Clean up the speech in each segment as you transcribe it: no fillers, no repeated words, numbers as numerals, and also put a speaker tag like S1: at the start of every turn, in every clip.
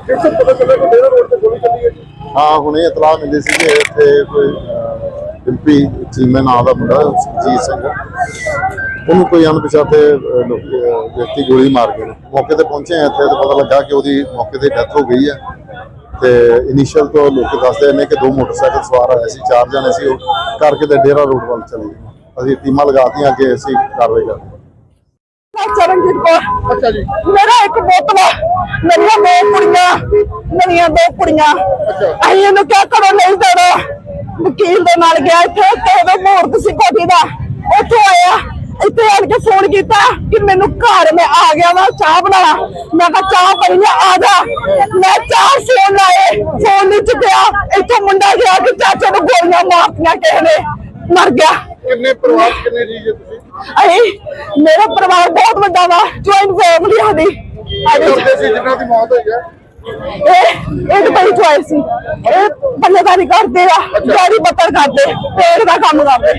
S1: हाँ हुणे इतला मिली सी कि इत्थे कोई डिंपी चीमे नाम का मुंडा सुरजीत सिंह उन्होंने कोई अणपछाते व्यक्ति गोली मार गए। मौके पर पहुंचे हैं इत्थे तो पता लगा कि उसकी मौके पर डेथ हो गई है। तो इनिशियल तो लोग दसते हैं कि 2 मोटरसाइकिल सवार आए थे, 4 जने से करके तो डेरा रोड वाल चले गए। अभी टीमां लगाती अगे असीं कार्रवाई करते हैं।
S2: चरणजीत कौर। अच्छा जी। मेरा एक बोतला मेरिया 2 कुड़ियां मेरिया 2 कुड़ियां असीं इहनूं क्या करो नहीं देना वकील दे नाल गया इत्थे ते ओदा मुहूर्त सी कोठी दा उत्थों आया इत्थे आण के फोन कीता कि मैनू घर में आ गया वा चाह बना। मैं कहा चाह पई आ जा। मैं 4 फोन लाए फोन नहीं चुकया। इत्थों मुंडा गया कि चाचा नूं गोलियां मारतियां किसे ने मर गया।
S1: कितने परिवार कितने जी है तुसीं?
S2: मेरा परिवार बहुत बड़ा वा ज्वाइंट फैमिली साडी।
S1: जिन्हां दी मौत होई है
S2: ਇਹ ਬੜੀ ਚੋਇਸ ਸੀ। ਇਹ ਬੱਲੇਦਾਰੀ ਕਰਦੇ ਆ, ਗਾੜੀ ਬੱਤਰ ਕਰਦੇ, ਪੇੜ ਦਾ ਕੰਮ ਕਰਦੇ।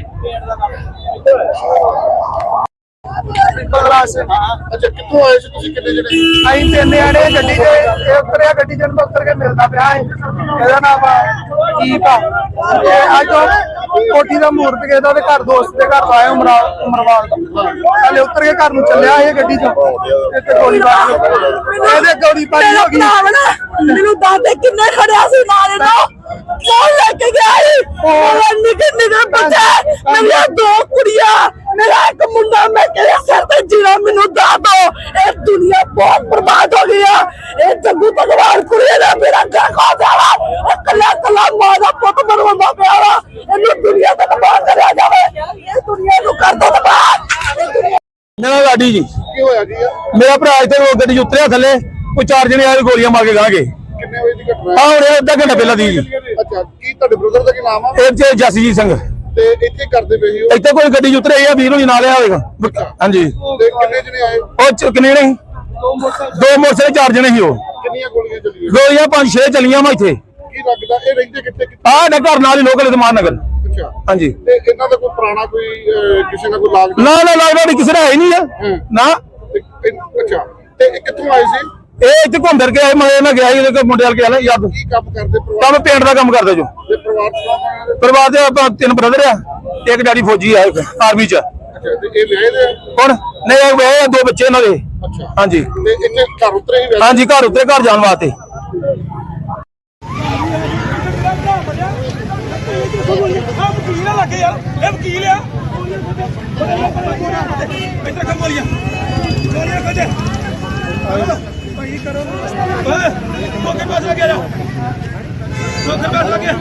S1: अच्छा कितों आए थे तुसीं कितने जने?
S3: ਅਸੀਂ 3 जने ਗੱਡੀ ਤੇ ਉਤਰਿਆ ਗੱਡੀ ਜਨ ਉਤਰ ਕੇ ਮਿਲਦਾ ਪਿਆ ਹੈ। ਇਹਦਾ ਨਾਮ ਦੀਪ ਆ। ਇਹ ਅੱਜ ਕੋਠੀ ਦਾ ਮੂਰਤ ਕੇ ਦਾ ਘਰ ਦੋਸਤ ਦੇ ਘਰ ਆਇਆ ਉਮਰਵਾਲ ਦਾ। ਹਲੇ ਉਤਰ ਕੇ ਘਰ ਨੂੰ ਚੱਲਿਆ ਇਹ ਗੱਡੀ ਚੋਂ ਇੱਥੇ ਗੋਲੀਬਾਰੀ ਇਹਦੇ ਗੋਲੀਬਾਰੀ ਹੋ ਗਈ।
S2: ਮੈਨੂੰ ਦਾਦੇ ਕਿੰਨੇ ਖੜਿਆ ਸੀ ਨਾਲ ਇਹਦਾ ਫੋਨ ਲੈ ਕੇ ਗਿਆ ਸੀ। ਉਹ ਨਿੱਕੇ ਨਿੱਕੇ ਬੱਚੇ ਮੇਰੀਆਂ 2 ਕੁੜੀਆਂ मेरा एक मुंडा मैं कह सर ते जीना मैनू दस दो। ये दुनिया बहुत बर्बाद हो गई है। ये जग्गू भगवान कुड़िया ने मेरा घर खा जावा कला कला मां दा पुत बनवांदा पिया वा। इन्नू दुनिया ते तबाह करया जावे। ये दुनिया नू कर दो तबाह।
S3: मेरा लाडी जी
S1: की होया जी
S3: मेरा भरा इत्थे गड्डी उतरिया थल्ले कोई 4 जने आए गोलियां मार के गां गए।
S1: कितने बजे दी घटना
S3: हां हुणे अद्धा घंटा पहला दी जी।
S1: अच्छा की ਤੁਹਾਡੇ ਬ੍ਰਦਰ ਦਾ ਕੀ ਨਾਮ ਆ?
S3: ਇਹ ਜਸਜੀਤ ਸਿੰਘ
S1: ਤੇ ਇੱਥੇ ਕਰਦੇ ਪਏ ਸੀ ਉਹ?
S3: ਇੱਥੇ ਕੋਈ ਗੱਡੀ ਉਤਰੇ ਆ ਵੀਰ ਨੂੰ ਨਾਲ ਆਇਆ ਹੋਵੇਗਾ। ਹਾਂਜੀ
S1: ਤੇ ਕਿੰਨੇ ਜਣੇ ਆਏ?
S3: ਉਹ ਕਿੰਨੇ ਨੇ 2 ਮੋਟਰਸਾਈਕਲ 4 ਜਣੇ ਸੀ। ਉਹ
S1: ਕਿੰਨੀਆਂ ਗੋਲੀਆਂ ਚੱਲੀਆਂ?
S3: ਗੋਲੀਆਂ 5-6 ਚੱਲੀਆਂ ਵਾ ਇੱਥੇ।
S1: ਕੀ ਲੱਗਦਾ ਇਹ ਰਹਿੰਦੇ ਕਿੱਥੇ?
S3: ਆਹ ਨਾ ਘਰ ਨਾਲ ਹੀ ਲੋਕਲ ਇਤਮਾਨ ਨਗਰ।
S1: ਅੱਛਾ
S3: ਹਾਂਜੀ
S1: ਤੇ ਇਹਨਾਂ ਦਾ ਕੋਈ ਪੁਰਾਣਾ ਕੋਈ ਕਿਸੇ ਨਾਲ ਕੋਈ ਲਾਗ
S3: ਨਾ ਲਾਗੜਾ ਕਿਸੇ ਦਾ ਹੈ ਨਹੀਂ ਆ ਨਾ।
S1: ਅੱਛਾ ਤੇ ਇਹ ਕਿੱਥੋਂ ਆਏ ਸੀ?
S3: ਇਹ ਇੱਥੇ ਘੁੰਮ ਫਿਰ ਕੇ ਆਏ। ਮੈਂ ਨਾ ਗਿਆ ਇਹਦੇ ਮੁੰਡੇ ਵਾਲ ਕੇ ਆਲਾ ਯਾਦ
S1: ਕੀ ਕੰਮ ਕਰਦੇ ਪਰਿਵਾਰ?
S3: ਕੰਮ ਪੇਂਟ ਦਾ ਕੰਮ ਕਰਦੇ ਜੋ।
S1: ਤੇ ਪਰਿਵਾਰ ਚ
S3: ਪਰਿਵਾਰ ਦੇ ਆਪਾਂ 3 ਬ੍ਰਦਰ ਆ, ਇੱਕ ਡੈਡੀ ਫੌਜੀ ਆ, ਇੱਕ ਆਰਮੀ ਚ।
S1: ਅੱਛਾ ਤੇ ਇਹ ਵਿਆਹੇ ਦੇ?
S3: ਹੁਣ ਨਹੀਂ ਇਹ 2 ਬੱਚੇ ਇਹਨਾਂ ਦੇ।
S1: ਅੱਛਾ
S3: ਹਾਂਜੀ
S1: ਤੇ ਇੱਥੇ ਘਰ ਉਤਰੇ ਹੀ ਵੈਸੇ?
S3: ਹਾਂਜੀ ਘਰ ਉੱਤੇ ਘਰ ਜਾਣ ਵਾਸਤੇ।
S4: वकील लगे यार ये वकील है इधर कम गोलियां खोजे भाई करो मौके पास लगे जा मौके पास लगे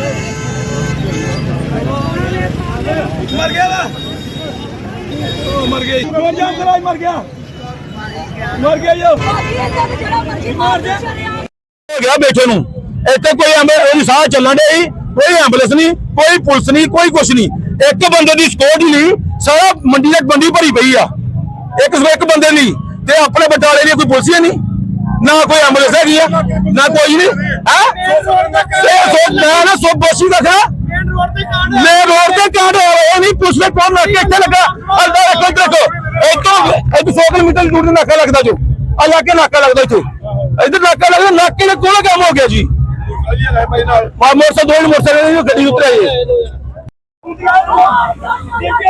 S4: मर गया ना मर गई जाम कराई मर गया यो मार दे
S3: हो गया बेटे नूं ਇੱਥੇ ਕੋਈ ਉਹਦੀ ਸਾਹ ਚੱਲਣ ਦੇ ਕੋਈ ਐਂਬੂਲੈਂਸ ਨਹੀਂ ਕੋਈ ਪੁਲਿਸ ਨਹੀਂ ਕੋਈ ਕੁਛ ਨਹੀਂ। ਇੱਕ ਬੰਦੇ ਦੀ ਸਕਿਉਰਟੀ ਨਹੀਂ ਸਾਰਾ ਮੰਡੀ ਤੱਕ ਬੰਦੀ ਭਰੀ ਪਈ ਆ ਇੱਕ ਬੰਦੇ ਲਈ ਤੇ ਆਪਣੇ ਬਟਾਲੇ ਲਈ ਕੋਈ ਪੁਲਿਸ ਹੀ ਨਹੀਂ ਨਾ ਕੋਈ ਐਂਬੂਲੈਂਸ ਹੈਗੀ ਆ ਨਾ ਕੋਈ ਨਹੀਂ ਹੈ। ਮੈਂ ਨਾ ਸੋ ਬੋਸੀ ਦਾ ਖਾ ਮੈਂ ਰੋਡ ਤੇ ਕਾਂਡ ਹੋ ਰਿਹਾ ਨਹੀਂ ਪੁਲਿਸ ਨੇ ਕੌਣ ਲੱਗ ਕੇ ਇੱਥੇ ਲੱਗਾ ਅੱਲਾ ਰੱਖੋ ਦੇਖੋ ਇੱਥੋਂ 100 ਕਿਲੋਮੀਟਰ ਦੂਰ ਤੇ ਨਾਕਾ ਲੱਗਦਾ ਜੋ ਆ ਜਾ ਕੇ ਨਾਕਾ ਲੱਗਦਾ ਇੱਥੇ ਇੱਧਰ ਨਾਕਾ ਲੱਗਦਾ ਨਾਕੇ ਦੇ ਕੋਲ ਕੰਮ ਹੋ ਗਿਆ ਜੀ। मोटरसाइकिल गड्डी उतरी है।